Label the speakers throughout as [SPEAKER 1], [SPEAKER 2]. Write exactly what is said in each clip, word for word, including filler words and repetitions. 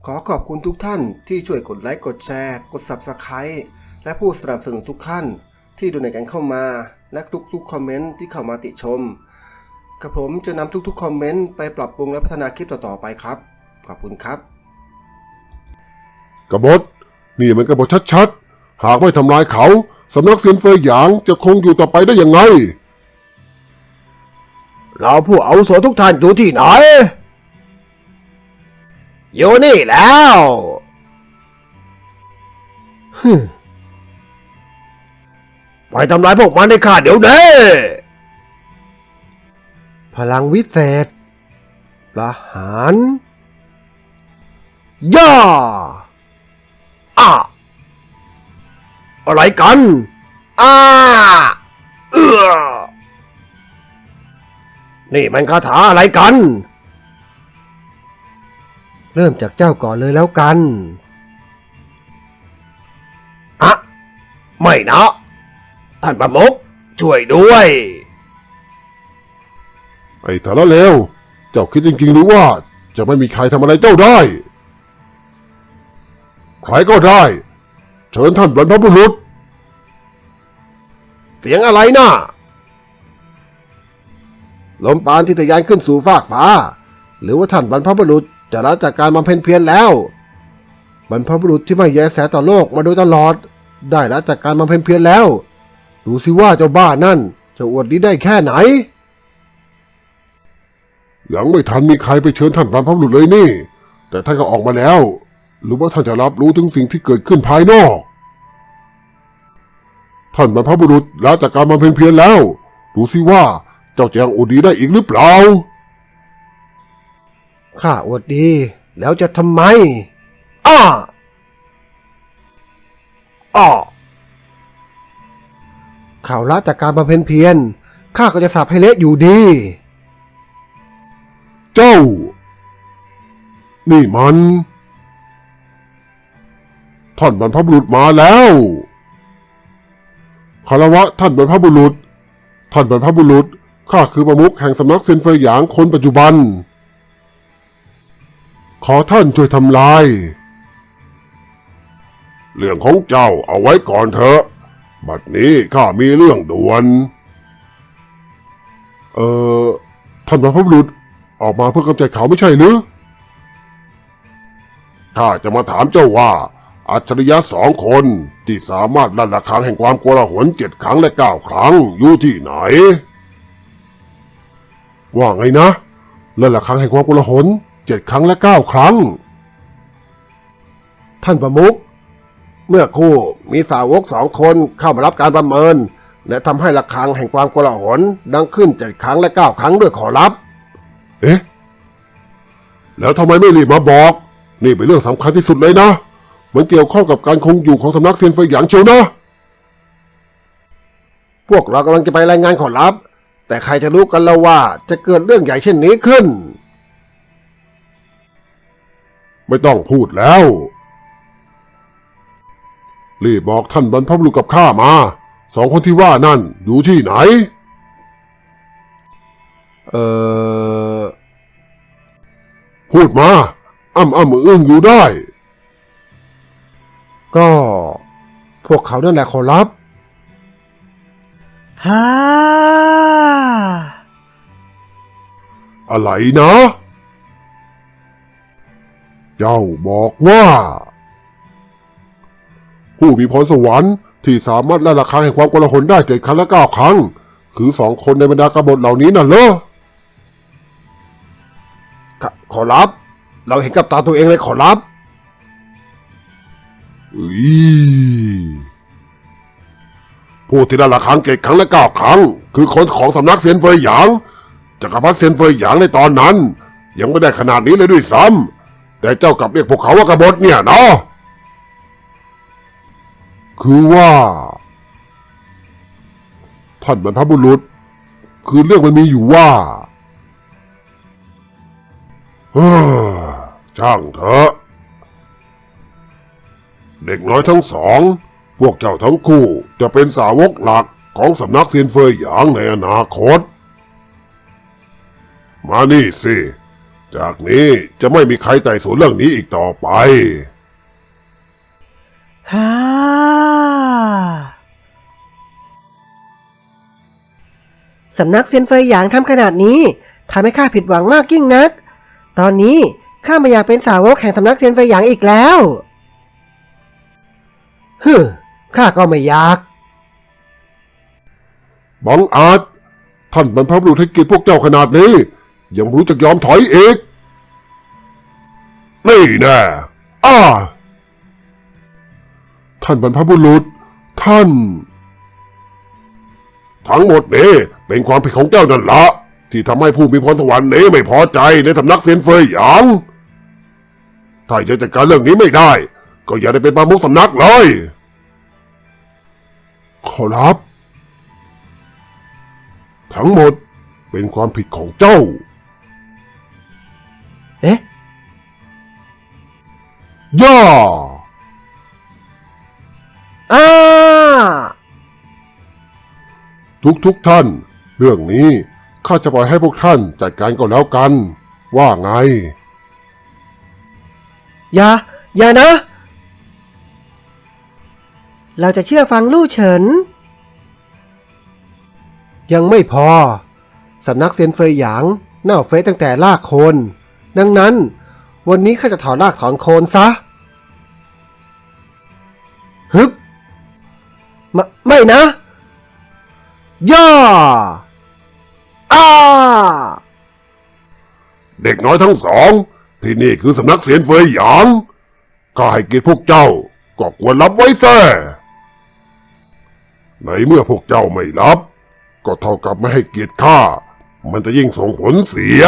[SPEAKER 1] ขอขอบคุณทุกท่านที่ช่วยกดไลค์กดแชร์กด ซับสไครบ์ และผู้สนับสนุนทุกท่านที่ดูในกันเข้ามาและทุกๆคอมเมนต์ที่เข้ามาติชมกระผมจะนำทุกๆคอมเมนต์ไปปรับปรุงและพัฒนาคลิปต่อๆไปครับขอบคุณครับ
[SPEAKER 2] กบฏนี่มันกบฏชัดๆหากไม่ทำลายเขาสำนักเซียนเฟยหยางจะคงอยู่ต่อไปได้ยังไง
[SPEAKER 3] เราผู้อาวุโสทุกท่านอยู่ที่ไหนอยู่นี่แล้วฮึไปทำลายพวกมันให้ข้าเดี๋ยวนี้พลังวิเศษประหารย่าอ่ะอะไรกันอ้าเอื้อนี่มันคาถาอะไรกันเริ่มจากเจ้าก่อนเลยแล้วกันอะไม่นะท่านประมุขช่วยด้วย
[SPEAKER 2] ไอ้ทาระเลวเจ้าคิดจริงๆหรือว่าจะไม่มีใครทำอะไรเจ้าได้ใครก็ได้เชิญท่านบรรพบุรุษ
[SPEAKER 3] เสียงอะไรนะ่ะลมปานที่ทะยานขึ้นสู่ฟากฟ้าหรือว่าท่านบรรพบุรุษจะละจากการบำเพ็ญเพียรแล้วบรรพบุรุษที่ไม่แยแสต่อโลกมาโดยตลอดได้ละจากการบำเพ็ญเพียรแล้วดูสิว่าเจ้าบ้านั่นจะอวดดีได้แค่ไหน
[SPEAKER 2] ยังไม่ทันมีใครไปเชิญท่านบรรพบุรุษเลยนี่แต่ท่านก็ออกมาแล้วหรือว่าท่านจะรับรู้ถึงสิ่งที่เกิดขึ้นภายนอกท่านบรรพบุรุษละจากการบำเพ็ญเพียรแล้วดูสิว่าเจ้าจะยังอวดดีได้อีกหรือเปล่า
[SPEAKER 3] ข้าอวดดีแล้วจะทำไมอ้าอ้อข่าวละจากการบำเพ็ญเพียรข้าก็จะสาปให้เละอยู่ดี
[SPEAKER 2] เจ้านี่มันท่านบรรพบุรุษมาแล้วคารวะท่านบรรพบุรุษท่านบรรพบุรุษข้าคือประมุขแห่งสำนักเซียนเฟยหยางคนปัจจุบันขอท่านช่วยทำลายเรื่องของเจ้าเอาไว้ก่อนเถอะบัดนี้ข้ามีเรื่องด่วนเอ่อท่านบรรพบุรุษออกมาเพื่อกำจัดเขาไม่ใช่หรือข้าจะมาถามเจ้าว่าอัจฉริยะสองคนที่สามารถลั่นระฆังแห่งความโกลาหลเจ็ดครั้งและเก้าครั้งอยู่ที่ไหนว่าไงนะลั่นระฆังแห่งความโกลาหลเจ็ดครั้งและเก้าครั้ง
[SPEAKER 3] ท่านประมุขเมื่อคู่มีสาวกสองคนเข้ามารับการประเมินและทำให้ระฆังแห่งความโกลาหลดังขึ้นเจ็ดครั้งและเก้าครั้งด้วยขอรับ
[SPEAKER 2] เอ๊ะแล้วทำไมไม่รีบมาบอกนี่เป็นเรื่องสำคัญที่สุดเลยนะมันเกี่ยวข้องกับการคงอยู่ของสำนักเซียนเฟยหยางเชียวนะ
[SPEAKER 3] พวกเรากำลังจะไปรายงานขอรับแต่ใครจะรู้กันแล้วว่าจะเกิดเรื่องใหญ่เช่นนี้ขึ้น
[SPEAKER 2] ไม่ต้องพูดแล้วรีบบอกท่านบรรพบุรุษกับข้ามาสองคนที่ว่านั่นอยู่ที่ไหน
[SPEAKER 3] เออ
[SPEAKER 2] พูดมาอ้ำอ้ำอึ้งอยู่ได้
[SPEAKER 3] ก็พวกเขานั่นแหละขอรับฮ่า
[SPEAKER 2] อะไรนะเจ้าบอกว่าผู้มีพรสวรรค์ที่สามารถละระฆังแห่งความโกลาหลได้เจ็ดครั้งและเก้าครั้งคือสองคนในบรรดากบฏเหล่านี้น่ะเหรอ
[SPEAKER 3] ขอรับเราเห็นกับตาตัวเองเลยขอรับ
[SPEAKER 2] ผู้ที่ละระฆังเจ็ดครั้งและเก้าครั้งคือคนของสำนักเซียนเฟยหยางจักรพรรดิเซียนเฟยหยางในตอนนั้นยังไม่ได้ขนาดนี้เลยด้วยซ้ำแต่เจ้ากลับเรียกพวกเขาว่ากบฏเนี่ยเนาะคือว่าท่านบรรพบุรุษคือเรื่องมันมีอยู่ว่าเฮ้อช่างเถอะเด็กน้อยทั้งสองพวกเจ้าทั้งคู่จะเป็นสาวกหลักของสำนักเซียนเฟยหยางในอนาคตมานี่สิจากนี้จะไม่มีใครไต่สวนเรื่องนี้อีกต่อไป
[SPEAKER 4] ฮ่าสำนักเซียนเฟยหยางทำขนาดนี้ทำให้ข้าผิดหวังมากยิ่งนัก ตอนนี้ข้าไม่อยากเป็นสาวกแห่งสำนักเซียนเฟยหยางอีกแล้วฮึข้าก็ไม่อยาก
[SPEAKER 2] บังอาจท่านบรรพบุรุษให้เกียรติพวกเจ้าขนาดนี้ยังรู้จักยอมถอยอีกนี่แน่อ้าท่านบรรพบุรุษท่าน ทั้งหมดนี้เป็นความผิดของเจ้านั่นละที่ทำให้ผู้มีพรสวรรค์นี้ไม่พอใจในสำนักเซียนเฟยหยางถ้าจะจัดการเรื่องนี้ไม่ได้ก็อย่าได้เป็นประมุขสำนักเลยขอรับ ทั้งหมดเป็นความผิดของเจ้า
[SPEAKER 4] เอ๊ะ
[SPEAKER 2] ย่า
[SPEAKER 4] อ้า
[SPEAKER 2] ทุกทุกท่าน เรื่องนี้ข้าจะปล่อยให้พวกท่านจัดการก็แล้วกัน ว่าไง
[SPEAKER 4] อย่า อย่านะ เราจะเชื่อฟังลู่เฉิน
[SPEAKER 3] ยังไม่พอ สำนักเซียนเฟยหยางเน่าเฟะตั้งแต่รากโคน ดังนั้น วันนี้ข้าจะถอนรากถอนโคนซะ
[SPEAKER 4] ฮึบไม่ไม่นะ
[SPEAKER 3] ย่า
[SPEAKER 4] อ้า
[SPEAKER 2] เด็กน้อยทั้งสอง ที่นี่คือสำนักเซียนเฟยหยางข้าให้เกียรติพวกเจ้าก็ควรรับไว้แท้ในเมื่อพวกเจ้าไม่รับ ก็เท่ากับไม่ให้เกียรติข้ามันจะยิ่งส่งผลเสีย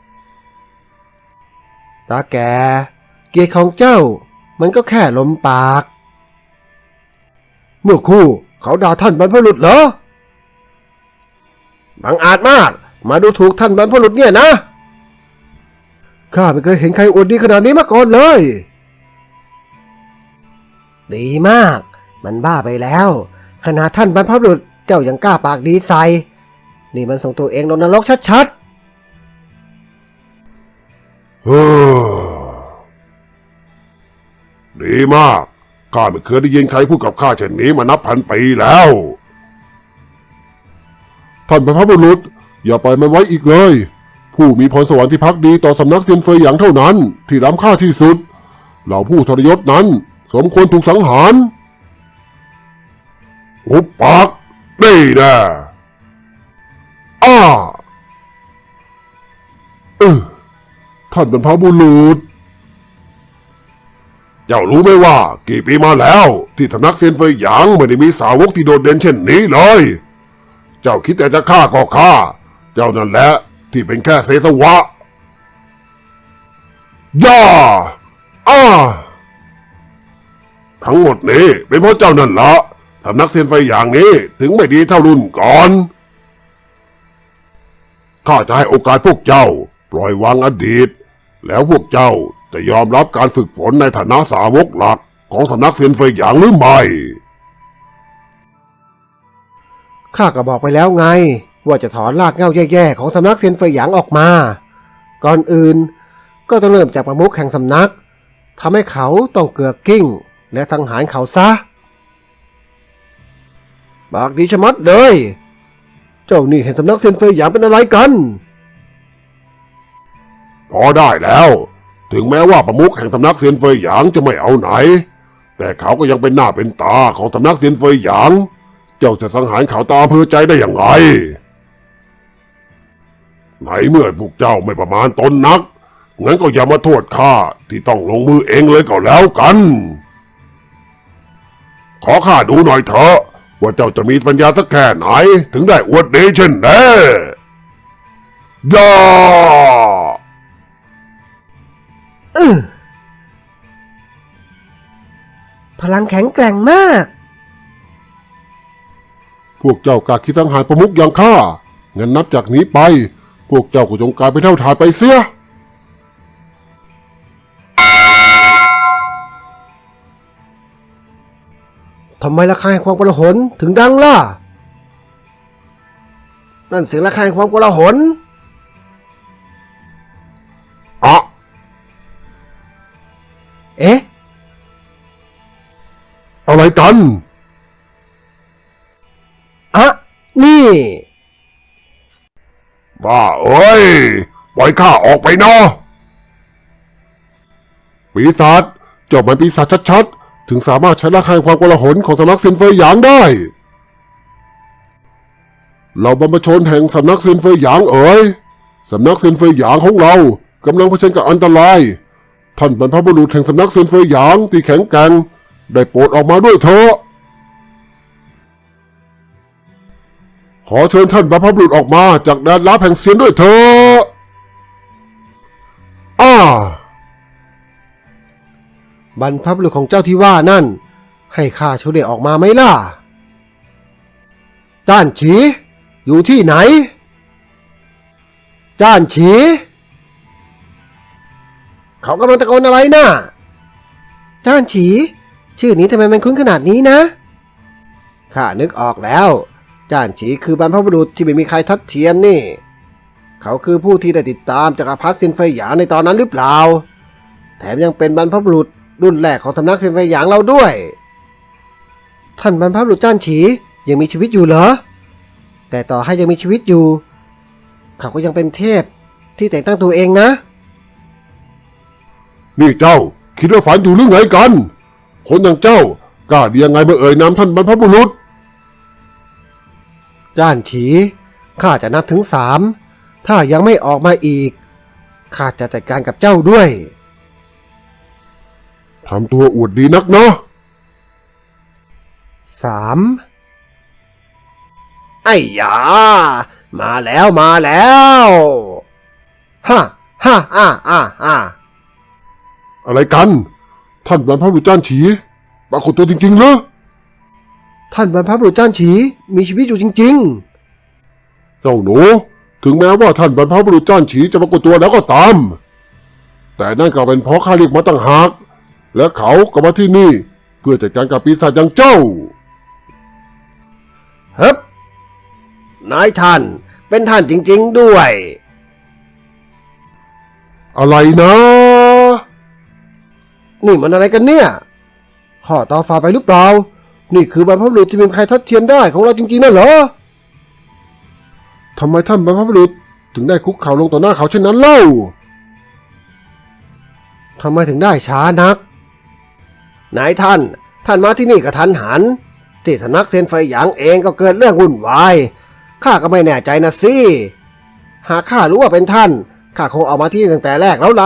[SPEAKER 3] ตาแก เกียรติของเจ้า มันก็แค่ลมปาก เมื่อครู่เขาด่าท่านบรรพบุรุษเหรอ บังอาจมาก มาดูถูกท่านบรรพบุรุษเนี่ยนะ ข้าไม่เคยเห็นใครอวดดีขนาดนี้มาก่อนเลย
[SPEAKER 4] ดีมาก มันบ้าไปแล้ว ขนาดท่านบรรพบุรุษเจ้ายังกล้าปากดีใส่ นี่มันส่งตัวเองลงนรกชัด
[SPEAKER 2] เฮ้อดีมากข้าไม่เคยได้ยินใครพูดกับข้าเช่นนี้มานับพันปีแล้ว ท่านบรรพบุรุษอย่าปล่อยมันไว้อีกเลย ผู้มีพรสวรรค์ที่พักดีต่อสำนักเซียนเฟยหยางเท่านั้น ที่ล้ำค่าที่สุดเหล่าผู้ทรยศนั้นสมควรถูกสังหารหุบปากนี่แน่อ้าเออท่านบรรพบุรุษ เจ้ารู้ไหมว่ากี่ปีมาแล้วที่สำนักเซียนเฟยหยางไม่ได้มีสาวกที่โดดเด่นเช่นนี้เลย เจ้าคิดแต่จะฆ่าก็ฆ่า เจ้านั่นแหละที่เป็นแค่เศษสวะ ย่า อ้า ทั้งหมดนี้เป็นเพราะเจ้านั่นละสำนักเซียนเฟยหยางนี้ถึงไม่ดีเท่ารุ่นก่อน ข้าจะให้โอกาสพวกเจ้าปล่อยวางอดีต แล้วพวกเจ้าจะยอมรับการฝึกฝนในฐานะสาวกหลักของสำนักเซียนเฟยหยางหรือไม่
[SPEAKER 3] ข้าก็บอกไปแล้วไง ว่าจะถอนรากเหง้าแย่ๆของสำนักเซียนเฟยหยางออกมา ก่อนอื่นก็ต้องเริ่มจากประมุขแห่งสำนักทำให้เขาต้องเกือกกิ้งและสังหารเขาซะบากดีชะมัดเลย เจ้านี่เห็นสำนักเซียนเฟยหยางเป็นอะไรกัน
[SPEAKER 2] พอได้แล้ว ถึงแม้ว่าประมุขแห่งสำนักเซียนเฟยหยางจะไม่เอาไหน แต่เขาก็ยังเป็นหน้าเป็นตาของสำนักเซียนเฟยหยาง เจ้าจะสังหารเขาตามอำเภอใจได้อย่างไรไหนเมื่อพวกเจ้าไม่ประมาณตนนัก งั้นก็อย่ามาโทษข้าที่ต้องลงมือเองเลยก็แล้วกัน ขอข้าดูหน่อยเถอะว่าเจ้าจะมีปัญญาสักแค่ไหนถึงได้อวดดีเช่นนี้ย่า
[SPEAKER 4] ๆอื้อพลังแข็งแกร่งมาก
[SPEAKER 2] พวกเจ้ากล้าคิดสังหารประมุขอย่างข้า งั้นนับจากนี้ไป พวกเจ้าก็จงกลายเป็นเท่าทานไปเสีย
[SPEAKER 3] ทำไมระฆังแห่งความโกลาหลถึงดังล่ะ นั่นเสียงระฆังแห่งความโกลาหล
[SPEAKER 4] เอ๊ะ
[SPEAKER 2] อะไรกัน
[SPEAKER 4] อะนี่
[SPEAKER 2] บ้าเอ้ย ปล่อยข้าออกไปเนาะปีศาจเจ้ามันปีศาจชัดๆ ถึงสามารถใช้ระฆังความโกลาหลของสำนักเซียนเฟยหยางได้ เราบรรพชนแห่งสำนักเซียนเฟยหยางเอ๋ยสำนักเซียนเฟยหยางของเรากำลังเผชิญกับอันตราย ท่านบรรพบุรุษแห่งสำนักเซียนเฟยหยางที่แข็งแกร่งได้โปรดออกมาด้วยเถอะขอเชิญท่านบรรพบุรุษออกมาจากแดนลับแห่งเซียนด้วยเถอะอ้า
[SPEAKER 3] บรรพบุรุษของเจ้าที่ว่านั่น ให้ข้าช่วยเรียกออกมาไหมล่ะจ้านฉี อยู่ที่ไหน จ้านฉี เขากำลังตะโกนอะไรน่ะ
[SPEAKER 4] จ้านฉี ชื่อนี้ทำไมมันคุ้นขนาดนี้นะ
[SPEAKER 3] ข้านึกออกแล้ว จ้านฉีคือบรรพบุรุษที่ไม่มีใครทัดเทียมนี่ เขาคือผู้ที่ได้ติดตามจักรพรรดิเซียนเฟยหยางในตอนนั้นหรือเปล่า แถมยังเป็นบรรพบุรุษรุ่นแรกของสำนักเซียนเฟยหยางเราด้วย
[SPEAKER 4] ท่านบรรพบุรุษจ้านฉียังมีชีวิตอยู่เหรอ แต่ต่อให้ยังมีชีวิตอยู่ เขาก็ยังเป็นเทพที่แต่งตั้งตัวเองนะ
[SPEAKER 2] นี่เจ้าคิดว่าฝันอยู่หรือไงกัน คนอย่างเจ้ากล้าดียังไงมาเอ่ยนามท่านบรรพบุรุษ
[SPEAKER 3] จ้านฉี ข้าจะนับถึงสาม ถ้ายังไม่ออกมาอีก ข้าจะจัดการกับเจ้าด้วย
[SPEAKER 2] ทำตัวอวดดีนักเนาะ
[SPEAKER 3] สาม ไอ้ยา มาแล้วมาแล้วฮ่าฮ่าอ่าอ่าอ่า
[SPEAKER 2] อะไรกัน ท่านบรรพบุรุษจ้านฉีปรากฏตัวจริงๆเหรอ
[SPEAKER 3] ท่านบรรพบุรุษจ้านฉีมีชีวิตอยู่จริง
[SPEAKER 2] เจ้าหนู ถึงแม้ว่าท่านบรรพบุรุษจ้านฉีจะปรากฏตัวแล้วก็ตาม แต่นั่นก็เป็นเพราะข้าเรียกมาตั้งหาก และเขาก็มาที่นี่เพื่อจัดการกับปีศาจอย่างเจ้า
[SPEAKER 3] ๆเฮ้บนายท่านเป็นท่านจริงๆด้วย
[SPEAKER 2] อะไรนะ
[SPEAKER 3] นี่มันอะไรกันเนี่ยข้อต่อฟ้าไปหรือเปล่า นี่คือบรรพบุรุษที่ไมมีใครทัดเทียมได้ของเราจริงๆนั่นเหรอทำไมท่านบรรพบุรุษถึงได้คุกเข่าลงต่อหน้าเขาเช่นนั้นเล่าทำไมถึงได้ช้านักนายท่าน ท่านมาที่นี่กระทันหันที่สำนักเซียนเฟยหยางเองก็เกิดเรื่องวุ่นวายข้าก็ไม่แน่ใจนะสิหากข้ารู้ว่าเป็นท่านข้าคงเอามาที่นี่ตั้งแต่แรกแล้วละ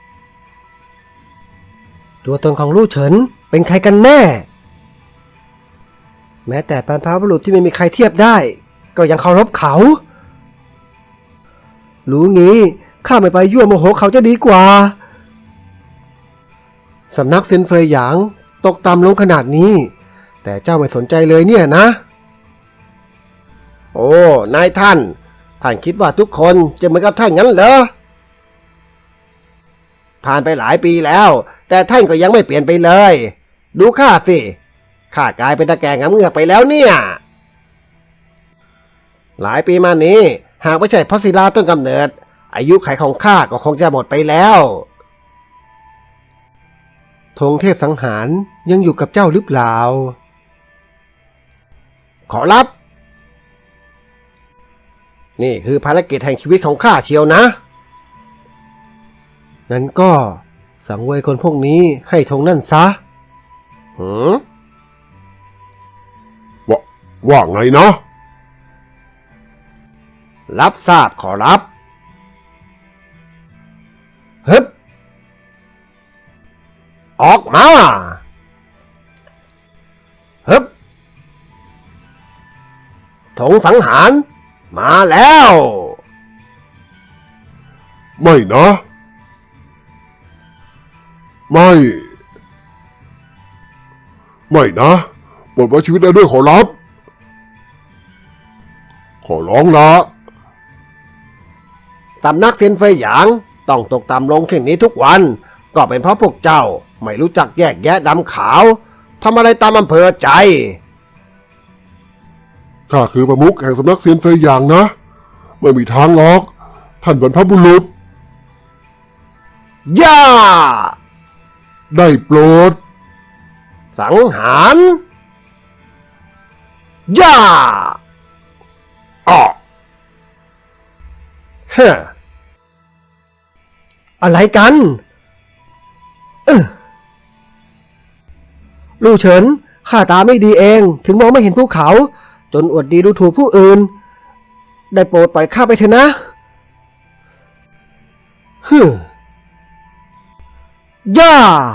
[SPEAKER 4] ตัวตนของลู่เฉินเป็นใครกันแน่ แม้แต่บรรพบุรุษที่ไม่มีใครเทียบได้ ก็ยังเคารพเขา รู้งี้ข้าไม่ไปยั่วโมโหเขาจะดีกว่า
[SPEAKER 3] สำนักเซียนเฟยหยางตกต่ำลงขนาดนี้ แต่เจ้าไม่สนใจเลยเนี่ยนะ โอ้ นายท่าน ท่านคิดว่าทุกคนจะเหมือนกับท่านงั้นเหรอ ผ่านไปหลายปีแล้ว แต่ท่านก็ยังไม่เปลี่ยนไปเลย ดูข้าสิ ข้ากลายเป็นตะแกรงงำเงือกไปแล้วเนี่ย หลายปีมานี้หากไม่ใช่เพราะศิลาต้นกำเนิด อายุขัยของข้าก็คงจะหมดไปแล้วธงเทพสังหารยังอยู่กับเจ้าหรือเปล่า ขอรับ นี่คือภารกิจแห่งชีวิตของข้าเชียวนะงั้นก็สังเวยคนพวกนี้ให้ธงนั่นซะหืม
[SPEAKER 2] ว่าว่าไงนะ
[SPEAKER 3] รับทราบขอรับฮึบออกมาฮึบธงสังหารมาแล้ว
[SPEAKER 2] ไม่นะ ไม่ ไม่นะปลดไว้ชีวิตได้ด้วยขอรับ ขอร้องละ
[SPEAKER 3] ตำนักเซียนเฟยหยางต้องตกต่ำลงเช่นนี้ทุกวัน ก็เป็นเพราะพวกเจ้าไม่รู้จักแยกแยะดำขาวทำอะไรตามอำเภอใจ
[SPEAKER 2] ข้าคือประมุขแห่งสำนักเซียนเฟยหยางนะ ไม่มีทางหรอก ท่านบรรพบุรุษ
[SPEAKER 3] ย่า
[SPEAKER 2] ได้โปรด
[SPEAKER 3] สังหารย่า
[SPEAKER 2] อ้อ
[SPEAKER 3] เฮ้อ
[SPEAKER 4] อะไรกันเออลู่เฉินข้าตาไม่ดีเองถึงมองไม่เห็นภูเขา จนอวดดีดูถูกผู้อื่น ได้โปรดปล่อยข้าไปเถอะนะฮึย่า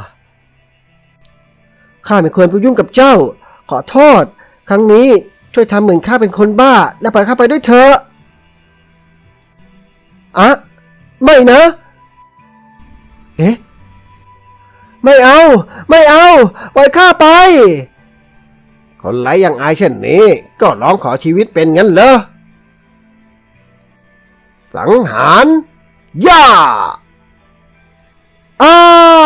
[SPEAKER 4] ข้าไม่ควรไปยุ่งกับเจ้า ขอโทษ ครั้งนี้ช่วยทำเหมือนข้าเป็นคนบ้า และปล่อยข้าไปด้วยเถอะอะไม่นะ เอ๊ะ ไม่เอา ไม่เอา ปล่อยข้าไป
[SPEAKER 3] คนไร้อย่างอายเช่นนี้ ก็ร้องขอชีวิตเป็นงั้นเหรอ สังหารย่า
[SPEAKER 4] อ้า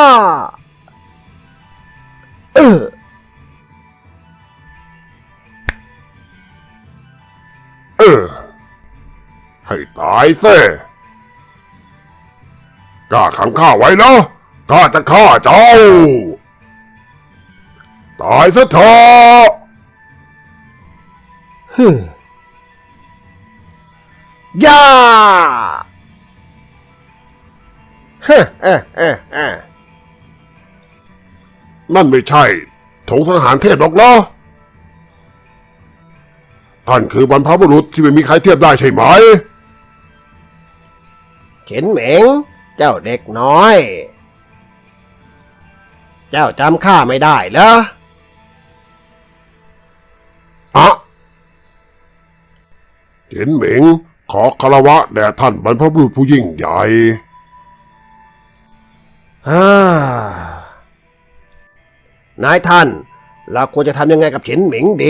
[SPEAKER 4] เออ
[SPEAKER 2] เออ ให้ตายเซ่กล้าขังข้าไว้เนาะข้าจะฆ่าเจ้า ตายซะเถอะ
[SPEAKER 3] ฮึย่าเฮ้เอ้เอ้เอ้
[SPEAKER 2] นั่นไม่ใช่ธงสังหารเทพหรอกเหรอท่านคือบรรพบุรุษที่ไม่มีใครเทียบได้ใช่ไหม
[SPEAKER 3] เฉินเหม็ง เจ้าเด็กน้อย เจ้าจำข้าไม่ได้เหรอ
[SPEAKER 2] อะเห็นเหม็งขอคารวะแด่ท่านบรรพบุรุษผู้ยิ่งใหญ่
[SPEAKER 3] ฮ่านายท่าน เราควรจะทำยังไงกับเฉินเหมิงดี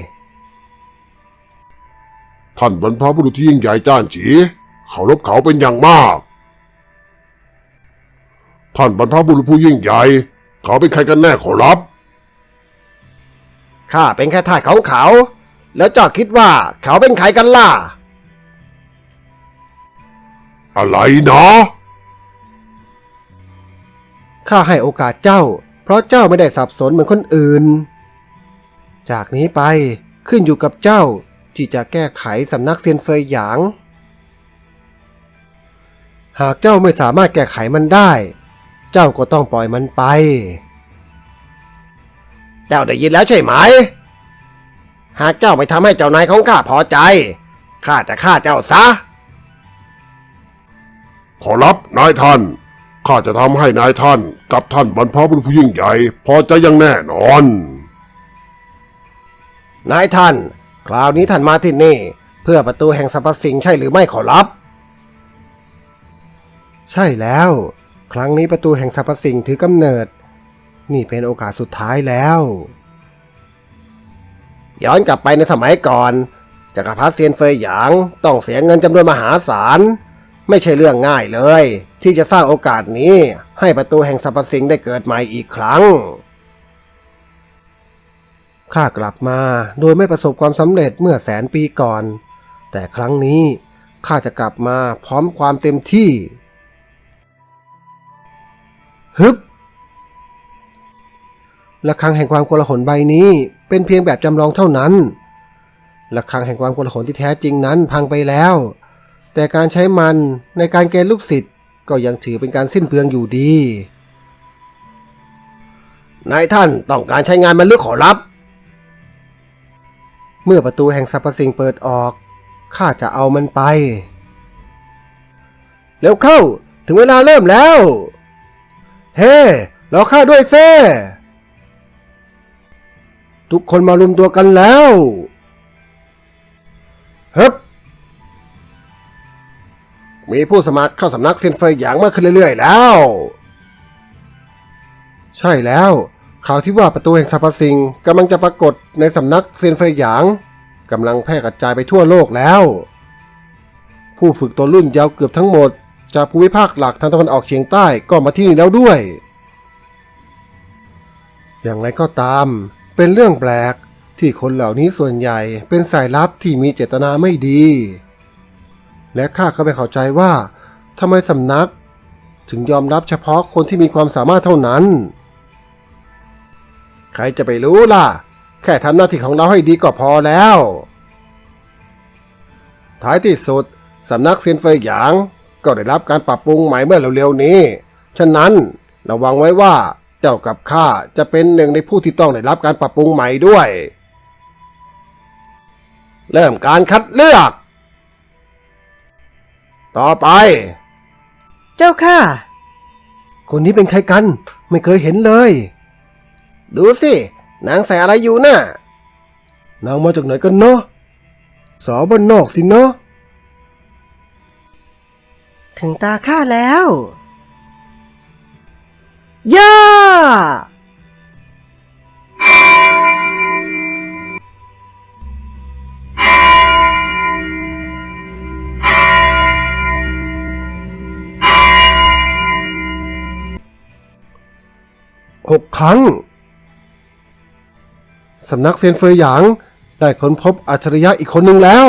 [SPEAKER 2] ท่านบรรพบุรุษที่ยิ่งใหญ่จ้านจีเคารพเขาเป็นอย่างมาก ท่านบรรพบุรุษผู้ยิ่งใหญ่เขาเป็นใครกันแน่ขอรับ
[SPEAKER 3] ข้าเป็นแค่ทาสของเขา แล้วเจ้าคิดว่าเขาเป็นใครกันล่ะ
[SPEAKER 2] อะไรนะ
[SPEAKER 4] ข้าให้โอกาสเจ้า เพราะเจ้าไม่ได้สับสนเหมือนคนอื่น จากนี้ไปขึ้นอยู่กับเจ้าที่จะแก้ไขสำนักเซียนเฟยหยาง หากเจ้าไม่สามารถแก้ไขมันได้ เจ้าก็ต้องปล่อยมันไป
[SPEAKER 3] เจ้าได้ยินแล้วใช่ไหม หากเจ้าไม่ทำให้เจ้านายของข้าพอใจ ข้าจะฆ่าเจ้าซะ
[SPEAKER 2] ขอรับนายท่านข้าจะทำให้นายท่านกับท่านบรรพบุรุษผู้ยิ่งใหญ่พอใจอย่างแน่นอน
[SPEAKER 3] นายท่าน คราวนี้ท่านมาที่นี่ เพื่อประตูแห่งสรรพสิ่งใช่หรือไม่ขอรับ
[SPEAKER 4] ใช่แล้ว ครั้งนี้ประตูแห่งสรรพสิ่งถือกำเนิด นี่เป็นโอกาสสุดท้ายแล้ว
[SPEAKER 3] ย้อนกลับไปในสมัยก่อนจักรพรรดิเซียนเฟยหยางต้องเสียเงินจำนวนมหาศาล ไม่ใช่เรื่องง่ายเลย ที่จะสร้างโอกาสนี้ให้ประตูแห่งสรรพสิ่งได้เกิดใหม่อีกครั้ง
[SPEAKER 4] ข้ากลับมาโดยไม่ประสบความสำเร็จเมื่อแสนปีก่อน แต่ครั้งนี้ข้าจะกลับมาพร้อมความเต็มที่ ฮึบระฆังแห่งความโกลาหลใบนี้เป็นเพียงแบบจำลองเท่านั้นระฆังแห่งความโกลาหลที่แท้จริงนั้นพังไปแล้ว แต่การใช้มันในการเกณฑ์ลูกศิษย์ก็ยังถือเป็นการสิ้นเปลืองอยู่ดี
[SPEAKER 3] นายท่านต้องการใช้งานมันหรือขอรับ
[SPEAKER 4] เมื่อประตูแห่งสรรพสิ่งเปิดออกข้าจะเอามันไป เร็วเข้าถึงเวลาเริ่มแล้ว เฮ้รอข้าด้วยเซ่ทุกคนมารวมตัวกันแล้วฮึบ
[SPEAKER 3] มีผู้สมัครเข้าสำนักเซียนเฟยหยางมากขึ้นเรื่อยๆแล้ว
[SPEAKER 4] ใช่แล้วข่าวที่ว่าประตูแห่งสรรพสิ่งกำลังจะปรากฏในสำนักเซียนเฟยหยางกำลังแพร่กระจายไปทั่วโลกแล้ว ผู้ฝึกตัวรุ่นยาวเกือบทั้งหมดจากภูมิภาคหลักทางตะวันออกเฉียงใต้ก็มาที่นี่แล้วด้วย อย่างไรก็ตามเป็นเรื่องแปลกที่คนเหล่านี้ส่วนใหญ่เป็นสายลับที่มีเจตนาไม่ดี และข้าก็ไม่เข้าใจว่าทำไมสำนักถึงยอมรับเฉพาะคนที่มีความสามารถเท่านั้น
[SPEAKER 3] ใครจะไปรู้ล่ะ แค่ทำหน้าที่ของเราให้ดีก็พอแล้ว ท้ายที่สุดสำนักเซียนเฟยหยางก็ได้รับการปรับปรุงใหม่เมื่อเร็วๆนี้ ฉะนั้นระวังไว้ว่าเจ้ากับข้าจะเป็นหนึ่งในผู้ที่ต้องได้รับการปรับปรุงใหม่ด้วย เริ่มการคัดเลือก ต่อไป
[SPEAKER 4] เจ้าค่ะ
[SPEAKER 3] คนนี้เป็นใครกัน ไม่เคยเห็นเลย ดูสินางใส่อะไรอยู่น่ะนางมาจากไหนกันเนาะสาวบ้านนอกสิเนาะ
[SPEAKER 4] ถึงตาข้าแล้วย่า
[SPEAKER 3] หกครั้งสำนักเซียนเฟยหยางได้ค้นพบอัจฉริยะอีกคนหนึ่งแล้ว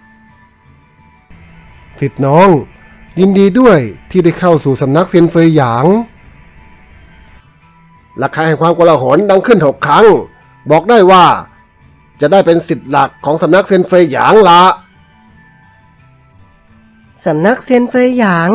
[SPEAKER 3] สิทธิ์น้อง ยินดีด้วยที่ได้เข้าสู่สำนักเซียนเฟยหยางราคาแห่งความโกลาหลดังขึ้นหกครั้ง บอกได้ว่า จะได้เป็นสิทธิ์หลักของสำนักเซียนเฟยหยางละ
[SPEAKER 4] สำนักเซียนเฟยหยาง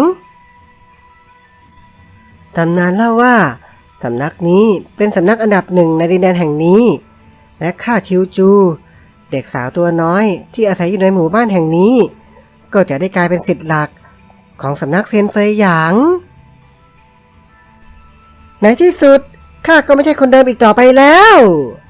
[SPEAKER 4] ตำนานเล่าว่าสำนักนี้เป็นสำนักอันดับหนึ่งในดินแดนแห่งนี้ และข้าชิวจู เด็กสาวตัวน้อยที่อาศัยอยู่ในหมู่บ้านแห่งนี้ ก็จะได้กลายเป็นศิษย์หลักของสำนักเซียนเฟยหยางในที่สุดข้าก็ไม่ใช่คนเดิมอีกต่อไปแล้ว